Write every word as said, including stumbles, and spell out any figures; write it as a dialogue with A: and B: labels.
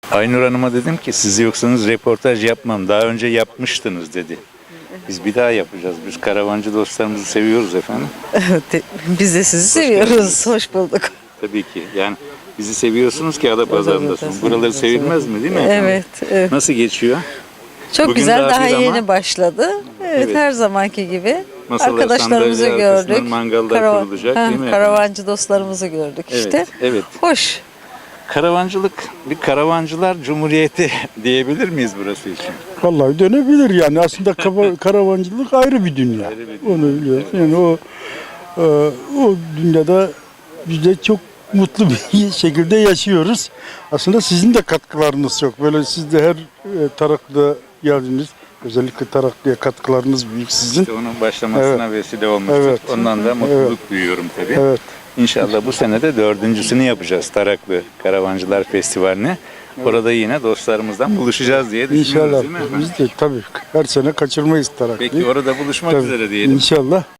A: Aynur Hanım'a dedim ki siz yoksanız reportaj yapmam. Daha önce yapmıştınız dedi. Biz bir daha yapacağız. Biz karavancı dostlarımızı seviyoruz efendim.
B: Evet, biz de sizi
A: Hoş
B: seviyoruz.
A: geldiniz.
B: Hoş bulduk.
A: Tabii ki. Yani bizi seviyorsunuz ki Adapazarı'ndasınız.
B: Evet,
A: Buraları
B: evet,
A: sevilmez mi değil mi efendim?
B: Evet, evet.
A: Nasıl geçiyor?
B: Çok
A: Bugün
B: güzel,
A: daha
B: daha
A: bir ama-
B: yeni başladı. Evet,
A: Evet.
B: her zamanki gibi.
A: Masalar,
B: Arkadaşlarımızı
A: sandalye arkasından
B: gördük.
A: mangallar kurulacak,
B: ha,
A: değil mi efendim?
B: Karavancı dostlarımızı gördük
A: Evet,
B: işte.
A: evet.
B: Hoş.
A: Karavancılık, bir karavancılar cumhuriyeti diyebilir miyiz burası için?
C: Vallahi dönebilir yani. Aslında kava- karavancılık ayrı bir dünya.
A: Ayrı bir dünya.
C: Onu biliyoruz. Yani o e, o dünyada biz de çok mutlu bir şekilde yaşıyoruz. Aslında sizin de katkılarınız çok. Böyle siz de her e, tarakta geldiniz. Özellikle Taraklı'ya katkılarınız büyük sizin.
A: İşte onun başlamasına vesile olmuştuk.
C: Evet.
A: Ondan da mutluluk duyuyorum tabii.
C: Evet.
A: İnşallah bu sene de dördüncüsünü yapacağız Taraklı Karavancılar Festivali'ni. Orada yine dostlarımızdan buluşacağız diye düşünüyoruz
C: İnşallah.
A: değil mi efendim?
C: Biz de tabii her sene kaçırmayız Taraklı'yı.
A: Peki orada buluşmak
C: Tabii.
A: üzere diyelim.
C: İnşallah.